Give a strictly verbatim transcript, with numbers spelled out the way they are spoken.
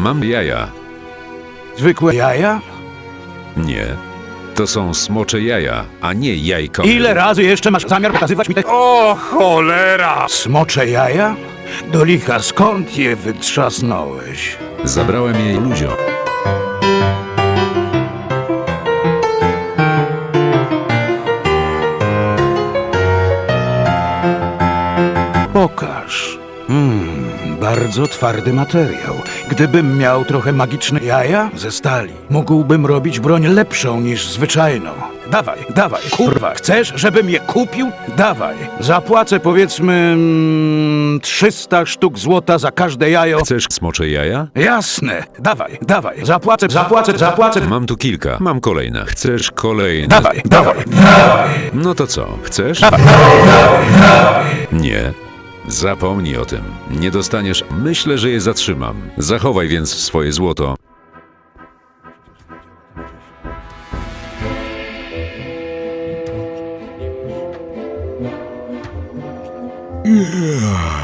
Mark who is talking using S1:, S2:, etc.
S1: Mam jaja.
S2: Zwykłe jaja?
S1: Nie. To są smocze jaja, a nie jajko.
S2: Ile razy jeszcze masz zamiar pokazywać mi te...
S3: O cholera!
S2: Smocze jaja? Do licha, skąd je wytrzasnąłeś?
S1: Zabrałem jej ludziom.
S2: Pokaż. Hmm, bardzo twardy materiał. Gdybym miał trochę magiczne jaja ze stali, mógłbym robić broń lepszą niż zwyczajną. Dawaj, dawaj, kurwa. Chcesz, żebym je kupił? Dawaj. Zapłacę powiedzmy mm, trzysta sztuk złota za każde jajo.
S1: Chcesz smocze jaja?
S2: Jasne. Dawaj, dawaj. Zapłacę, zapłacę, zapłacę.
S1: Mam tu kilka. Mam kolejne. Chcesz kolejne?
S2: Dawaj, dawaj, dawaj.
S1: No to co? Chcesz?
S2: Dawaj, dawaj, dawaj.
S1: Nie. Zapomnij o tym. Nie dostaniesz. Myślę, że je zatrzymam. Zachowaj więc swoje złoto.
S2: Yeah.